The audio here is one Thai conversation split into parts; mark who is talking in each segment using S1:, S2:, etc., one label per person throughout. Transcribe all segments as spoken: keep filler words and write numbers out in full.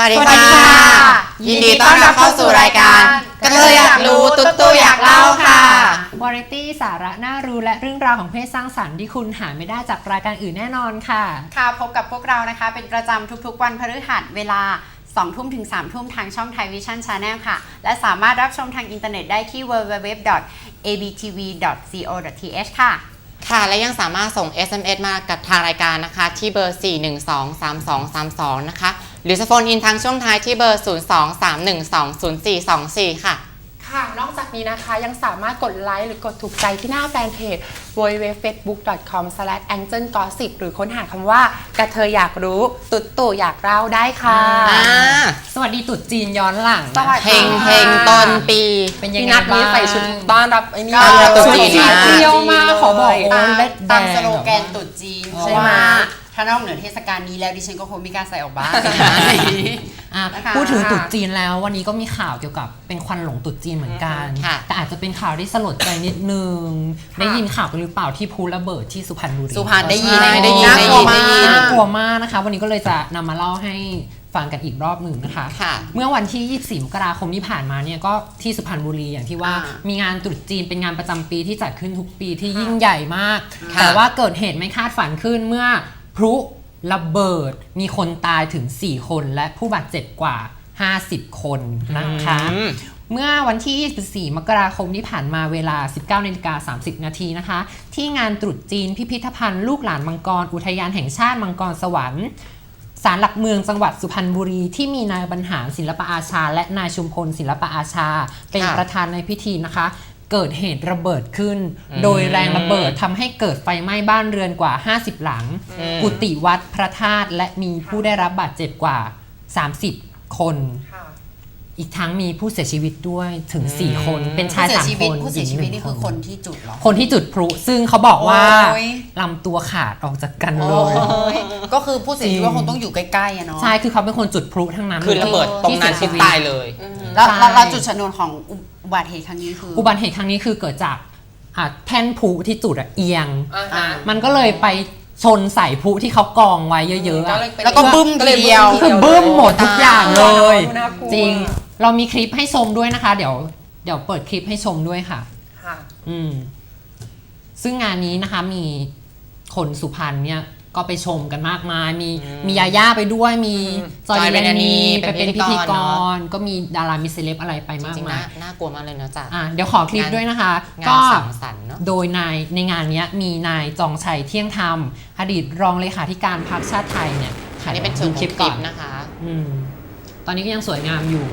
S1: วัสดีค่ะยินดีต้อนรับเข้าสู่รายการกระเทยอยากรู้ตุ๊ดตู่อยากเล่าค่ะ
S2: วาไรตี้สาระน่ารู้และเรื่องราวของเพศสร้างสรรค์ที่คุณหาไม่ได้จากรายการอื่นแน่นอนค่ะ
S3: ค่ะพบกับพวกเรานะคะเป็นประจำทุกๆวันพฤหัสเวลาสองทุ่มถึงสามทุ่มทางช่องไทยวิชั่น Channel ค่ะและสามารถรับชมทางอินเทอร์เน็ตได้ที่ ดับเบิลยู ดับเบิลยู ดับเบิลยู ดอท เอ บี ที วี ดอท ซี โอ ดอท ที เอช ค่ะ
S1: ค่ะและยังสามารถส่ง เอส เอ็ม เอส มากับทางรายการนะคะที่เบอร์ สี่ หนึ่ง สอง สาม สอง สาม สอง นะคะหรือจะโฟนอินทางช่วงท้ายที่เบอร์ ศูนย์ สอง สาม หนึ่ง สอง ศูนย์ สี่ สอง สี่ ค่ะ
S4: ค่ะนอกจากนี้นะคะยังสามารถกดไลค์หรือกดถูกใจที่หน้าแฟนเพจ ดับเบิลยู ดับเบิลยู ดับเบิลยู ดอท เฟซบุ๊ก ดอท คอม สแลช แองเจิล กอสซิป หรือค้นหาคำว่ากระเทยอยากรู้ตุ๊ดตู่อยากเล่าได้ค่ะ
S2: สวัสดีตุ๊ดจีนย้อนหลัง
S1: เฮงเฮงต้นปี
S2: เป็นยังไงบ้าง
S4: ใส่ชุดต้อนรับไอ้นี่
S1: ตุ๊ดจีน
S2: เที่ยวมาขอบอก
S3: ตามสโลแกนตุ๊ดจีนใช่ไหมถ้านอกเหนือเทศกาลนี้แล้วดิฉันก็คงไม่กล้าใส่ออกบ้าน
S2: พูดถึงตุ๊ดจีนแล้ววันนี้ก็มีข่าวเกี่ยวกับเป็นควันหลงตุ๊ดจีนเหมือนกันแต่อาจจะเป็นข่าวที่สลดใจนิดนึงได้ยินข่าวกันหรือเปล่าที่พลุระเบิดที่สุพรรณบุรี
S3: สุพรรณได้ยิน
S2: ได้ยินได้ยินน่ากลัวมากนะคะวันนี้ก็เลยจะนำมาเล่าให้ฟังกันอีกรอบหนึ่งนะคะเมื่อวันที่ยี่สิบสี่มกราคมที่ผ่านมาเนี่ยก็ที่สุพรรณบุรีอย่างที่ว่ามีงานตรุษจีนเป็นงานประจำปีที่จัดขึ้นทุกปีที่ยิ่งใหญ่มากแต่ว่าเกิดเหตุไม่คาดฝันขึ้นเมื่อพลุระเบิดมีคนตายถึงสี่คนและผู้บาดเจ็บกว่าห้าสิบคนนะคะเมื่อวันที่ยี่สิบสี่มกราคมที่ผ่านมาเวลา สิบเก้านาฬิกาสามสิบนาทีนะคะที่งานตรุษจีนพิพิธภัณฑ์ลูกหลานมังกรอุทยานแห่งชาติมังกรสวรรค์ศาลหลักเมืองจังหวัดสุพรรณบุรีที่มีนายบรรหารศิลปอาชาและนายชุมพลศิลปอาชาเป็นประธานในพิธีนะคะเกิดเหตุระเบิดขึ้นโดยแรงระเบิดทำให้เกิดไฟไหม้บ้านเรือนกว่าห้าสิบหลังกุฏิวัดพระธาตุและมีผู้ได้รับบาดเจ็บกว่าสามสิบคนอีกทั้งมีผู้เสียชีวิตด้วยถึงสี่คนเป็นชายสามคน
S3: ผู้เสียชีวิตนี่คือคนที่จุดหรอ
S2: คนที่จุดพลุซึ่งเขาบอกว่าลำตัวขาดออกจากกันเลย
S3: ก็คือผู้เสียชีวิตคงต้องอยู่ใกล้ๆอะเนาะ
S2: ใช่คือเขาเป็นคนจุดพลุทั้งนั้น
S1: คือระเบิดตรงนั้นที่ตายเลย
S3: แล้วเราจุดชนวนของอุบัติเหตุครั้งนี้คือ
S2: อุบัติเหตุครั้งนี้คือเกิดจากแท่นพลุที่จุดเอียงมันก็เลยไปชนใส่พลุที่เขากองไว้เยอะๆ
S3: แล้วก็บึ้มเดียว
S2: คือบึ้มหมดทุกอย่างเลยจริงเรามีคลิปให้ชมด้วยนะคะเดี๋ยวเดี๋ยวเปิดคลิปให้ชมด้วยค่ะอืมซึ่งงานนี้นะคะมีคนสุพรรณเนี่ยก็ไปชมกันมากมายมีมียาย่าไปด้วยมีจอยเรนนีไปเป็นพิธีกรก็มีดารามีเซเลบอะไรไปมากมาย
S1: น่ากลัวมากเลยเนาะจ๊ะ
S2: เดี๋ยวขอคลิปด้วยนะคะก็โดยนายในงานนี้มีนายจองชัยเที่ยงธรรมอดีตรองเลขาธิการพรรคชาติไทยเนี่ย
S1: อันนี้เป็นชุดคลิปก่อนนะคะ
S2: อืมตอนนี้ก็ยังสวยงามอยู่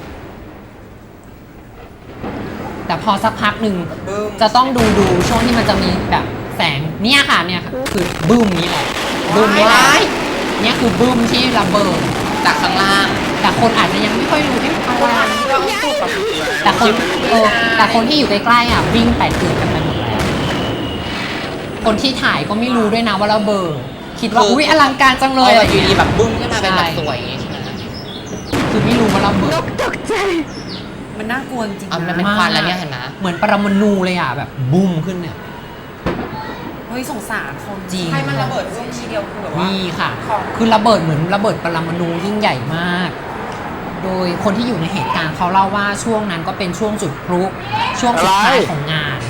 S2: แต่พอสักพักหนึ่งจะต้องดูดูช่วงที่มันจะมีแบบแสงเนี่ยค่ะเนี่ยคือบึ้มนี้แหละบึ้มนี้แหละเนี่ยคือบึ้มที่ระเบิด
S1: จากข้างล่าง
S2: แต่คนอาจจะยังไม่ค่อยรู้ที่อะไรแต่คนเออแต่คนที่อยู่ใกล้ๆอ่ะวิ่งแตกตื่นกันไปหมดแล้วคนที่ถ่ายก็ไม่รู้ด้วยนะว่าระเบิดคิดว่าอุ้ยอลังการจังเลย
S1: อยู่ดีแบบบึ้มขึ้นมาเป็นแบบสวยอย่างงี้ใช่ไหม
S2: คือไม่รู้ว่าระเบิด
S3: ตกใจมันน่ากลัวจริง
S1: ๆมันเป็นควันแล้วเนี่ยเห็นไหม
S2: เหมือนปรมาณูเลยอ่ะแบบบุ้มขึ้นเนี่ย
S3: เฮ้ยสงสารคน
S2: จริง
S3: ให้มันระเบิดร่วมทีเดียวคือแบบว่า
S2: นี่ค่ะคือระเบิดเหมือนระเบิดปรมาณูยิ่งใหญ่มากโดยคนที่อยู่ในเหตุการณ์เขาเล่าว่าช่วงนั้นก็เป็นช่วงจุดพลุช่วงสุดท้ายของงาน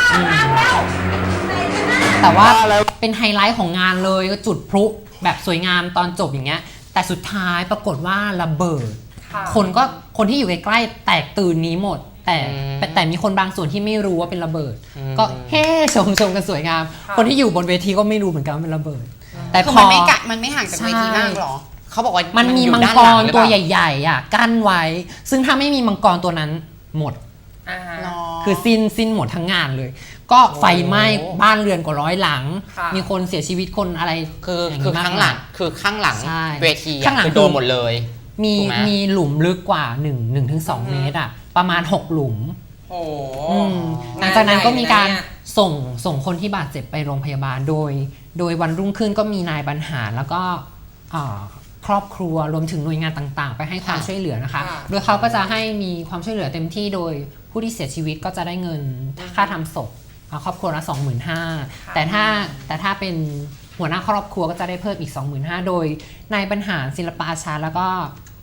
S2: แต่ว่าเป็นไฮไลท์ของงานเลยก็จุดพลุแบบสวยงามตอนจบอย่างเงี้ยแต่สุดท้ายปรากฏว่าระเบิดคนก็คนที่อยู่ใกล้ๆแตกตื่นนี้หมดแต่แต่มีคนบางส่วนที่ไม่รู้ว่าเป็นระเบิดก็เฮ้ชมชมกันสวยงามคนที่อยู่บนเวทีก็ไม่รู้เหมือนกันว่าเป็นระเบิด
S3: แต่พอมันไม่กะมันไม่ห่างจากเวทีมากหรอ
S1: เขาบอกว่า
S2: มันมีมังกรตัวใหญ่ๆอ่ะกั้นไว้ซึ่งถ้าไม่มีมังกรตัวนั้นหมดคือสิ้นสิ้นหมดทั้งงานเลยก็ไฟไหม้บ้านเรือนกว่าร้อยหลังมีคนเสียชีวิตคนอะไร
S1: คือคือข้างหลังคือข้างหลังเวทีคือโดนหมดเลย
S2: มีมีหลุมลึกกว่าหนึ่ง หนึ่งถึงสองเมตรอ่ะประมาณหกหลุม
S3: โอ้
S2: หลังจากนั้นก็มีการส่งส่งคนที่บาดเจ็บไปโรงพยาบาลโดยโดยวันรุ่งขึ้นก็มีนายบรรหารแล้วก็ครอบครัวรวมถึงหน่วยงานต่างๆไปให้ความช่วยเหลือนะคะโดยเขาก็จะให้มีความช่วยเหลือเต็มที่โดยผู้ที่เสียชีวิตก็จะได้เงินค่าทำศพครอบครัวละ สองหมื่นห้าพัน แต่ถ้าแต่ถ้าเป็นหัวหน้าครอบครัวก็จะได้เพิ่มอีก สองหมื่นห้าพัน โดยนายบรรหารศิลปอาชาแล้วก็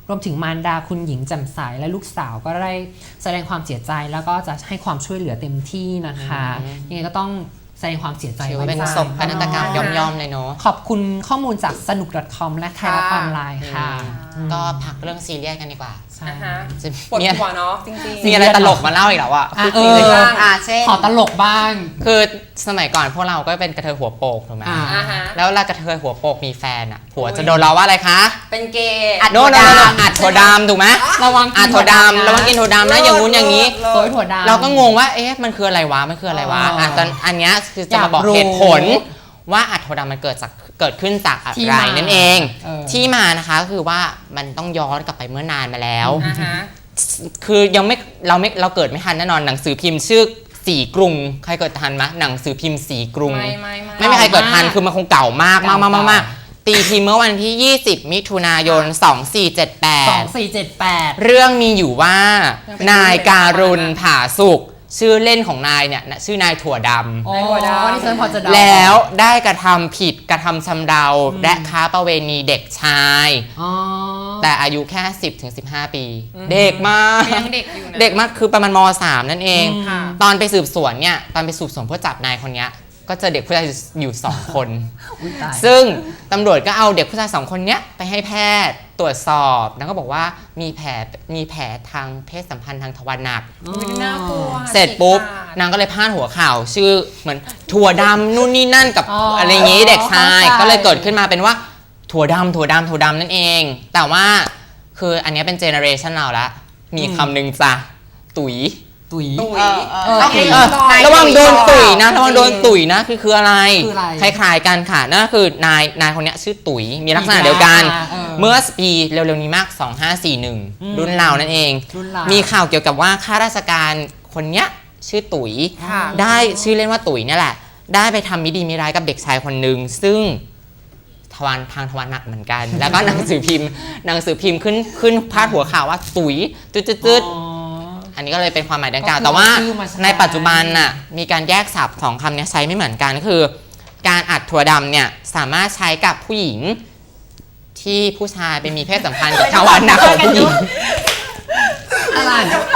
S2: รวมถึงมารดาคุณหญิงแจ่มใสและลูกสาวก็ได้แสดงความเสียใจแล้วก็จะให้ความช่วยเหลือเต็มที่นะคะยังไงก็ต้องแสดงความเสียใจ
S1: ถือว่าเป็นโศกนาฏกรรมย่อมๆเลยเนาะ
S2: ขอบคุณข้อมูลจากสนุก .com และไทยรัฐออนไลน์ค่ะ
S1: ก็พักเรื่องซีเรียสกันดีกว่า
S2: ใช่
S4: อ่าฮะ
S1: จะ
S4: ปวด
S1: มีอะไร
S4: หัวเนาะจริง
S1: มีอะไรตลกมาเล่าอีกแล้วอ่ะ
S2: อ่ะ
S1: คือ
S2: เอ
S1: จริง
S2: อ
S1: เลย
S3: อ่าเช่น
S2: ขอตลกบ้าง
S1: คือสมัยก่อนพวกเราก็เป็นกระเทยหัวโปกถูกไหม
S2: อ่า
S4: อ่าฮะ
S1: แล้วเวลากระเทยหัวโปกมีแฟนอ่ะผัวจะโดนเราว่าอะไรคะ
S4: เป็นเกย์
S3: อัด
S1: โน่นโน่นโน่นอัดถั่วดำถูกไหม
S2: ระวังกิน
S1: อัดถั่วดำระวังกินถั่วดำนะอย่างงู้นอย่างนี้
S4: เลิศ
S2: โซยถั่วดำ
S1: เราก็งงว่าเอ๊ะมันคืออะไรวะมันคืออะไรวะ
S2: อ๋ออ่
S1: อ่ะตอนอันเนี้ยคือจะมาบอก
S2: อยากรู้
S1: เหตุผลว่าอัดถั่วดำมันเกิดจากเกิดขึ้นจากอะ
S2: ที่
S1: ไร
S2: มา
S1: นั่นเอง
S2: เออ
S1: ที่มานะคะก็คือว่ามันต้องย้อนกลับไปเมื่อนานมาแล้ว
S4: อ่าฮะ
S1: คือยังไม่เราไม่เราเกิดไม่ทันแน่นอนหนังสือพิมพ์ชื่อสีกรุงใครเกิดทันไหมหนังสือพิมพ์สีกรุง
S4: ไม่ไม่ไม่
S1: ไม่มีใครเกิดทัน
S2: เก่ามาก
S1: คือมันคงเก่ามากมากมากมากมาก
S2: เก่า
S1: ตีพิมพ์เมื่อวันที่ ยี่สิบ มิถุนายน สองสี่เจ็ดแป
S2: สอ
S1: ด
S2: งสี่เจ็ดแปด
S1: เรื่องมีอยู่ว่า นายการุณผาสุกชื่อเล่นของนายเนี่ยนะชื่อนายถั่วดำ
S2: โอ้
S4: ในถั่วดำ
S2: นี่ฉันพอจะเดา
S1: แล้วได้กระทำผิดกระทำชำเราและค้าประเวณีเด็กชาย
S2: อ๋อ
S1: แต่อายุแค่ สิบถึงสิบห้า ปี เด็กมาก
S4: ยังเด็กอยู่นะ
S1: เด็กมากคือประมาณม สาม นั่นเอง
S4: ค่ะ
S1: ตอนไปสืบสวนเนี่ยตอนไปสืบสวนเพื่อจับนายคนเนี้ยก็เจอเด็กผู้ชายอยู่ สอง คน
S2: อุ๊ยตาย
S1: ซึ่งตำรวจก็เอาเด็กผู้ชายสองคนเนี้ยไปให้แพทย์ตรวจสอบแล้วก็บอกว่ามีแผลมีแผลทางเพศสัมพันธ์ทางทวารหนัก
S4: อุ๊ยน่ากลัว
S1: เสร็จปุ๊บ
S4: ฉีกขาด
S1: นางก็เลยพาดหัวข่าว ชื่อเหมือนถั่วดำนู่นนี่นั่นกับ
S2: อ๋ออ
S1: อะไรอย่างงี้เด็กชาย
S2: เข้าใจ
S1: ก็เลยเกิดขึ้นมาเป็นว่าถั่วดำถั่วดำถั่วดำนั่นเอง แต่ว่าคืออันเนี้ยเป็นเจเนอเรชันเราละมีคำหนึ่งจ้ะตุ๋ย
S2: ตุ๋ย
S4: ตุ๋ย
S3: เออเออ
S2: เออ
S3: ต้อง
S2: เออ
S3: เออนาย
S1: ระวังโดนตุ๋ยนะ
S4: จริง
S1: ระวังโดนตุ๋ยนะคือคืออะไร
S2: คืออะไร
S1: คล้ายๆกันค่ะนั่นก็คือนายนายคนเนี้ยชื่อตุ๋ยมีลักษณะเดียวกัน
S2: อ่าเออ
S1: เมื่อปีเร็วๆนี้มาก สองห้าสี่หนึ่ง
S2: อืม
S1: รุ่นเรานั่นเอง
S2: รุ่นเรา
S1: มีข่าวเกี่ยวกับว่าข้าราชการคนเนี้ยชื่อตุ๋ย
S4: ค่ะ
S1: ได้ชื่อเล่นว่าตุ๋ยเนี่ยแหละ ได้ไปทำมิดีมิร้ายกับเด็กชายคนหนึ่งซึ่งทวารทางทวารหนักเหมือนกัน แล้วก็หนังสือพิมพ์หนังสือพิมพ์ขึ้นขึ้นพาดหัวข่าวว่าตุ๋ยตืดตืด
S2: อ๋อ
S1: อันนี้ก็เลยเป็นความหมายดังกล่าว
S2: ก็คือ
S1: แต่ว่า
S2: เอาชื่อมาใช้
S1: ในปัจจุบันน่ะมีการแยกศัพท์สองคำเนี้ยใช้ไม่เหมือนกันก็คือ การอัดถั่วดำเนี่ยสามารถใช้กับผู้หญิง ที่ผู้ชายไปมีเพศสัมพันธ์กับทวารหนักของผู้หญิง
S2: อะไร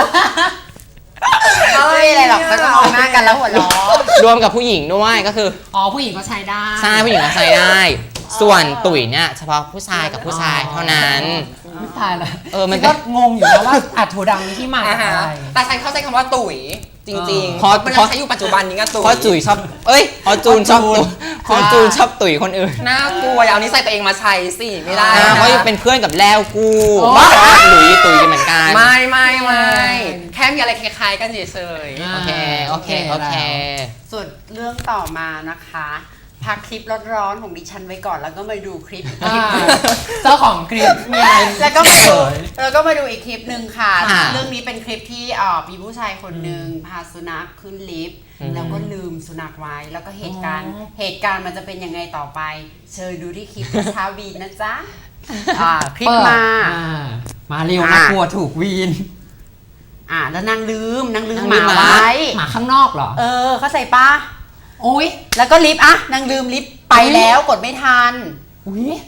S3: ไม่มีอะไรหรอกก็จะมองหน้ากันแล้วหัวเราะ
S1: รวมกับผู้หญิงด้วยก็คือ
S2: อ๋อผู้หญิงก็ใช้ได้
S1: ใช่ผู้หญิงก็ใช้ได้ ส่วนตุ๋ยเนี่ยเฉพาะผู้ชายกับผู้ชายเท่านั้น
S2: ไม่ตายละ
S1: เออมัน
S2: ก็งงอยู่นะว่าอัดถั่วดำนี่ที่มา
S4: อ่า
S2: จาก
S4: ฮะ
S2: อะไร
S4: แต่ฉันเข้าใจคำว่าตุ๋ยจริง
S1: เพราะ
S4: ๆมัน
S1: เพราะ
S4: ใช้อยู่ปัจจุบันนี้ก็ตุ๋ย
S1: เพราะจุ๋ยชอบเอ้ยเพราะจูนชอบตุ๋ยเพราะจูนชอบตุ๋ยคนอื่น
S4: น่ากลัวอย่าเอานิสัยตัวเองมาใช้สิไม่ได้
S1: อ่า
S4: นะ
S1: เพราะเป็นเพื่อนกับแล้วกู
S2: โอ้
S1: บ้าหลุยตุ๋ยเหมือนกัน
S4: ไม่ไม่ไม่แค่มีอะไรคล้ายๆกันเฉยๆ
S1: โอเคโอเคโอเค
S3: ส่วนเรื่องต่อมานะคะ พักคลิปร้อนๆของดิฉันไว้ก่อนแล้วก็มาดูคลิปอีกค
S2: อ่า
S3: ลิปหนึ่ง
S2: เจ้าของคลิปมีอะไร
S3: แล้วก็มาดู
S2: เผย
S3: แล้วก็มาดูอีกคลิปหนึ่งค่ะ
S1: ค่ะ
S3: เรื่องนี้เป็นคลิปที่เอ่อมีผู้ชายคนหนึ่งพาสุนัขขึ้นลิฟต์แล้วก็ลืมสุนัขไว้แล้วก็เหตุการณ์
S2: อ๋อ
S3: เหตุการณ์มันจะเป็นยังไงต่อไป เชิญดูที่คลิปเช้าวีนนะจ๊ะอ่าคลิป
S2: เปิด
S3: มา
S2: อ่มาเร็วนะ
S3: อ่ะ
S2: กลัวถูกวีน
S3: อ่าแล้วนางลืมนางลืม
S1: นาง
S3: ห
S1: ลื
S3: มาม
S1: หมา
S3: ไว้
S2: หมาข้างนอกเหรอ
S3: เออเข้าใจปะ
S2: โอ้ย
S3: แล้วก็ลิฟต์อะนางลืมลิฟต์ไปแล้วกดไม่ทัน
S2: อุ้ย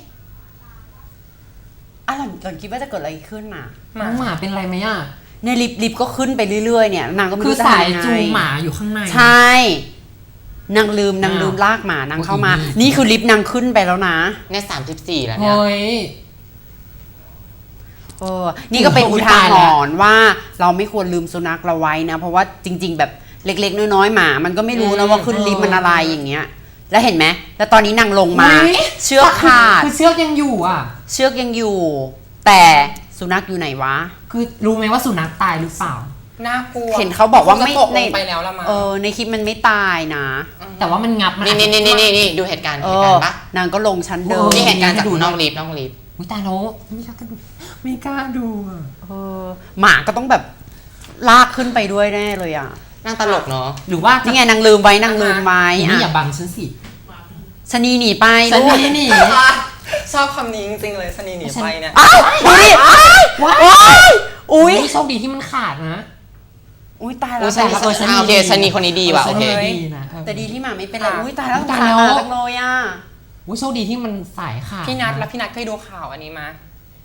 S3: อ่ะหล่อนหล่อนคิดว่าจะเกิดอะไรขึ้นน่ะ
S2: น้องหมาเป็นไรไหมอ่ะ
S3: ในลิฟต์ลิฟต์ก็ขึ้นไปเรื่อยๆเนี่ยนางก็ไม่
S2: คือ
S3: รู้จะ
S2: สาย
S3: ทำยังไง
S2: จูงหมาอยู่ข้างใน
S3: ใช่นางลืมนาง
S2: อ้าว
S3: ลืมลากหมานางเข้ามา
S2: อืม
S3: นี่คือลิฟต์นางขึ้นไปแล้วนะ
S1: เนี่ยสามสิบสี่แล้วเนี่ย
S2: เฮ้ย
S3: เออนี่ก็เป็น
S2: โอ้
S3: อุ
S2: ย
S3: ทา
S2: ตาย
S3: ห
S2: แล้ว
S3: รณ์ว่าเราไม่ควรลืมสุนัขเราไว้นะ เพราะว่าจริง ๆ แบบเล็กๆน้อยๆหมา มันก็ไม่รู้นะว่าขึ้นลิฟต์มันอะไรอย่างเงี้ย แล้วเห็นไหมแล้วตอนนี้นางลงมา
S2: อุ๊ย
S3: เชือกขาด
S2: คือเชือกยังอยู่อ่ะ
S3: เชือกยังอยู่ แต่สุนัขอยู่ไหนวะ
S2: คือรู้ไหมว่าสุนัขตายหรือเปล่า
S4: น่ากลัว
S3: เห็นเขาบอกว่าไม่
S4: คงจะตกล
S3: ใน
S4: งไปแล้วละมั้ง
S3: เออในคลิปมันไม่ตายนะ
S2: แต่ว่ามันงับมัน
S1: นี่นี่นี่นี่นี่ดูเหตุการณ์
S3: เอ
S1: เหตุ
S3: อ
S1: การณ์ปะ
S3: นางก็ลงชั้นเดิม
S1: นี่เหตุการณ์จากนอกลิฟต์นอกลิฟต์
S2: อุ้ยตายแล้วไม่กล้าดูไม่กล้าดูอ่ะ
S3: เออหมาก็ต้องแบบลากขึ้นไปด้วยแน่เลยอ่ะ
S1: นั่งตลกเนาะ
S2: หรือว่า
S3: นี่ไงนางลืมไว้นางลืมไว้
S2: นี่อย่า
S3: อ่ะ
S2: บังฉันสิ
S3: ชะนีหนีไป
S2: ฉัน
S3: ลูก
S2: นี่นี่
S4: ชอบคำนี้จริงๆเลยสนีหนีไปเนี่ย
S3: อ้าวดูดิอ้าว
S2: ว้า
S3: โอ้ยอุ้ย
S2: โชคดีที่มันขาดนะ
S3: อุ้ยตาย
S1: โอ้
S3: แล้ว
S1: ชนี
S2: แต่ละเออชนี
S1: อ่าโอเค
S2: ดี
S1: ชนีคนนี้ดีว่ะโอเค
S2: ชนีดีนะเออ
S3: แต่ดีที่หมาไม่เป็นไร
S4: ค่ะ
S3: อุ้ยตายแล้ว
S2: ตาย
S3: ตาย
S2: แล้ว
S3: หมาจังเลยอ่ะ
S2: อุ้ยโชคดีที่มันสายขาด
S4: พี่นัทแล้วพี่นัทเคยดูข่าวอันนี้มา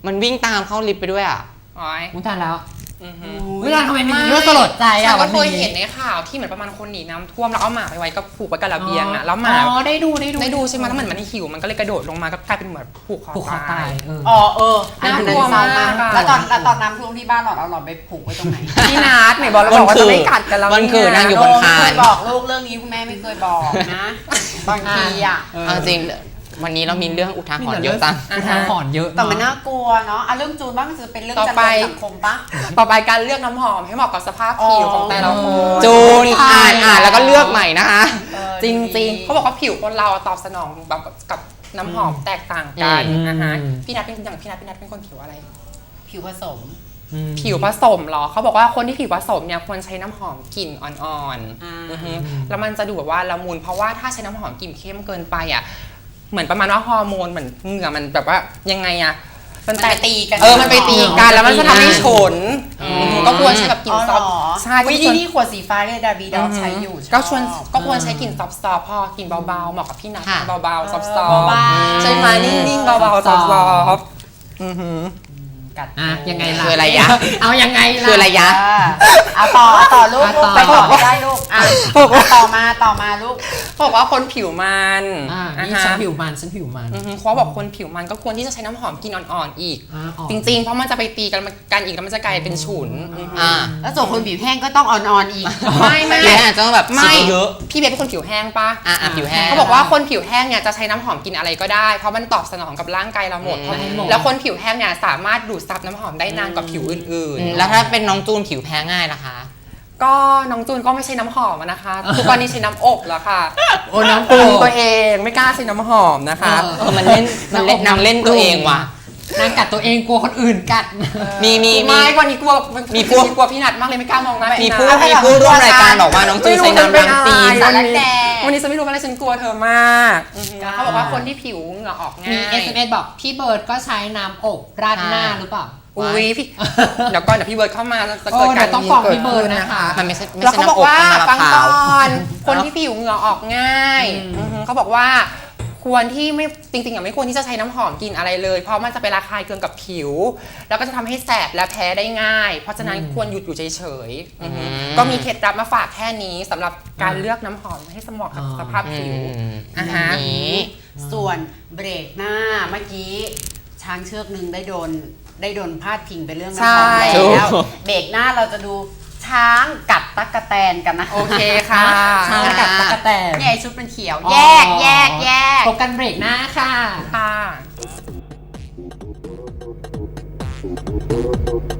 S1: มันวิ่งตามเข้าลิฟต์ไปด้วยอ่ะ
S4: อ๋อย
S2: อุ้ยตายแล้ว
S4: อือหือ
S2: เวลาทำไมมีเรื่องสลดใจ
S4: ฉั
S2: อ่ะ
S4: นก็
S2: วัน
S4: เคย
S2: นี้
S4: เห็นในข่าวที่เหมือนประมาณคนหนีน้ำท่วมแล้วเอาหมาไปไว้กับผูกไว้กับระเบียงอ่ะแล้วหมา
S2: อ๋อได้ดูได้ดู
S4: ได้ดูใช่ไหมแล้วเหมือนมันหิวมันก็เลยกระโดดลงมาก็กลายเป็นเหมือนผูกคอ
S2: ผูกคอ
S4: ตา
S2: ตาย ยเออ
S3: อ๋อเอออันนั้น
S4: น่ากลัว
S3: เศร้ามาก
S4: มากอะ
S3: แล้วตอนแล้วตอนน้ำท่วมที่บ้านหลอดเอาหลอดไปผูกไว้ตรงไหน
S4: พี่นัทไหนบอกเราบอกว่าจะไม่กัดกันแล้ว
S1: วันคือนั่งอยู่
S3: โ
S1: บนคา
S3: ไม่เค
S1: น
S3: ยบอกลูกเรื่องนี้คุณแม่ไม่เคยบอกนะบางทีอ่ะ
S2: เออ
S1: เอาจริงวันนี้เรามีเรื่องอุทาหรณ์เยอะจัง
S2: อุทาหรณ์เยอะ
S3: แต่มัน
S2: เอะ
S3: น่ากลัวเนาะอ่ะเรื่องจูนบ้างมันจะเป็นเรื่อง
S4: ต่อ
S3: จัด
S4: ไป
S3: การสังคมปะ
S4: ต่อไปการเลือกน้ำหอมให้เหมาะกับสภาพผิวของแต่ละคน
S1: จูนอ่านอ่านแล้วก็เลือกใหม่นะคะ
S3: เออ
S4: จริง
S3: ดี
S4: ๆเขาบอกว่าผิวคนเราตอบสนองแบบกับน้ำหอมแตกต่างกัน
S1: อืม
S4: นะฮะพี่นัทเป็นอย่างพี่นัทพี่นัทเป็นคนผิวอะไร
S3: ผิวผสม
S2: อืม
S4: ผิวผสมเหรอเขาบอกว่าคนที่ผิวผสมเนี่ยควรใช้น้ำหอมกลิ่นอ่อน
S3: อ่า
S4: ๆอือฮึแล้วมันจะดูแบบว่าละมุนเพราะว่าถ้าใช้น้ำหอมกลิ่นเข้มเกินไปอ่ะเหมือนประมาณว่าฮอร์โมนเหมือนเหงื่อมันแบบว่ายังไงอ่ะมัน
S3: มัน
S4: แต
S3: ไป
S4: ก
S3: ตีกัน
S4: เออมันไปตีกันแล้วมันจะทำให้ฉน
S1: อืม
S4: อืมก็ควรใช้แบบกลิ่น
S3: อ๋อ
S4: ซ
S3: เหร
S4: อฟ
S3: อ
S4: ใช่
S3: วิ
S4: ก็
S3: ธี
S4: ควร
S3: นี้ขวดสีฟ้าเนี่ยดาวีดอใช้อยู่
S4: ก็ชวน
S3: ชอบ
S4: ก็ควรใช้กลิ่นซอฟต์ๆพอกลิ่นเบาๆเหมาะกับพี่นัท
S1: ค่ะ
S4: เบาๆซอฟต์
S3: เออเบาๆ
S4: ๆใช่ไหมนิ่งๆเบาๆซอฟต์ๆอือหือ
S3: กัด
S2: อ่ะยังไงล่ะ
S1: คืออะไรยะ
S2: เอายังไงล่ะ
S1: คืออะไรยะ
S3: เออเอาต่อเอาต่อลูก
S2: อ่ะ
S3: ลูก
S2: ต่อ
S3: ไปต่อไม่ได้ลูกอ่ะต่อมาต่อมาลูก
S4: เขาบอกว่าคนผิวมัน
S2: อ่า
S4: อ่า
S2: นี่
S4: ฮะ
S2: ฉันผิวมันฉันผิวมัน
S4: อือฮึเขาบอกคนผิวมันก็ควรที่จะใช้น้ำหอมกลิ่นอ่อนๆอีก
S2: อ่าอ่อน
S4: จริงๆ เพราะมันจะไปตีกันกันอีกแล้วมันจะกลายเป็นฉุนอือฮึ
S1: อ่า
S3: แล้วส่วนคนผิวแห้งก็ต้องอ่อนๆอีก
S4: ไม่ไม่
S1: ผิวแห้งอาจจะต้องแบบ
S4: ไม่
S1: ฉีดเยอะ
S4: พี่เบสเป็นคนผิวแห้งปะ
S1: อ่ะอ่ะผิวแห้ง
S4: เขาบอกว่าคนผิวแห้งเนี่ยจะใช้น้ำหอมกลินอะไรก็ได้ เพราะมันตอบสนองกับร่างกายเราหมด
S1: อืม
S4: เพราะแล้วคนผิวแห้งเนี่ยสามารถดูดซับน้ำหอมได้นานกว่าผิวอื่น
S1: อืมแล้วถ้าเป็นน้องจูนผิวแพ้ง่ายล่ะคะ
S4: ๆ ก็น้องจูนก็ไม่ใช้น้ำหอมอะนะคะ ทุกวันนี้ใช้น้ำอบแล้วค่ะ
S2: โอ้น้ำ
S4: ปรุง
S2: โก
S4: ตัวเองไม่กล้าใช้น้ำหอมนะคะ
S2: เอ
S1: เออมันเล่นมันเล่นนางเล่นตัวเองว่ะ
S2: นางกัดตัวเองกลัวคนอื่นกัด
S1: มีมีมี
S4: ไม่วันนี้กลัว
S1: มีพวก
S4: กลัวพี่นัทมากเลยไม่กล้ามองหน้า
S1: มี
S4: พี่นัท
S1: ผู้มีผู้ร่วมรายการบอกว่าน้องจูนใช้น้ำล้างตีน
S3: สารแดง
S4: วันนี้ฉันไม่รู้อะไรฉันกลัวเธอมากเขาบอกว่าคนที่ผิวเหงื่อออกง่าย
S2: มี เอส เอ็ม เอส บอกพี่เบิร์ดก็ใช้น้ำอบราดหน้าหรือเปล่า
S4: อุ้ยพี่ เดี๋ยวก่อนเดี๋ยวพี่เบิร์ดเข้ามาจะ
S2: โอ้
S4: เกิดการ
S2: เดี๋ยวต้องฟ้องพี่เบิร์ดนะคะ
S1: มันไม่ใช่ไม่
S4: แล้ว
S1: ใช่
S4: เขาบอก
S1: น้ำอบ
S4: ว่า
S1: น้ำมะ
S4: ฟัง
S1: พร้า
S4: ก่
S1: ว
S4: อนคนที่ผิวเหงื่อออกง่าย
S2: อืม
S4: อือฮึเขาบอกว่าควรที่ไม่จริงๆอ่ะไม่ควรที่จะใช้น้ำหอมกลิ่นอะไรเลย เพราะมันจะไประคายเคืองกับผิว แล้วก็จะทำให้แสบและแพ้ได้ง่าย เพราะฉะนั้นควรหยุดอยู่เฉยๆอือฮึก็มีเคล็ดลับมาฝากแค่นี้สำหรับการเลือกน้ำหอมให้สมเหมาะกับสภาพ
S1: อื
S4: ผิว
S1: ม
S4: อ่าฮะ
S1: นี้
S3: ส่วนเบรกหน้าเมื่อกี้ช้างเชือกหนึ่งได้โดนได้โดนพาดพิงไปเรื่องน้ำหอม
S4: ใช่
S3: แล้วเบรกหน้าเราจะดูช้างกัดตั๊กแตนกันนะ
S4: โอเคค่ะ
S2: ช้างกัดตะกะแตน
S3: เนี่ยไอ้ชุดมันเขียว
S2: อ๋อ
S3: แยกแยกแยก
S2: พบกันเบรกหน้าค่ะ
S4: ค่ะ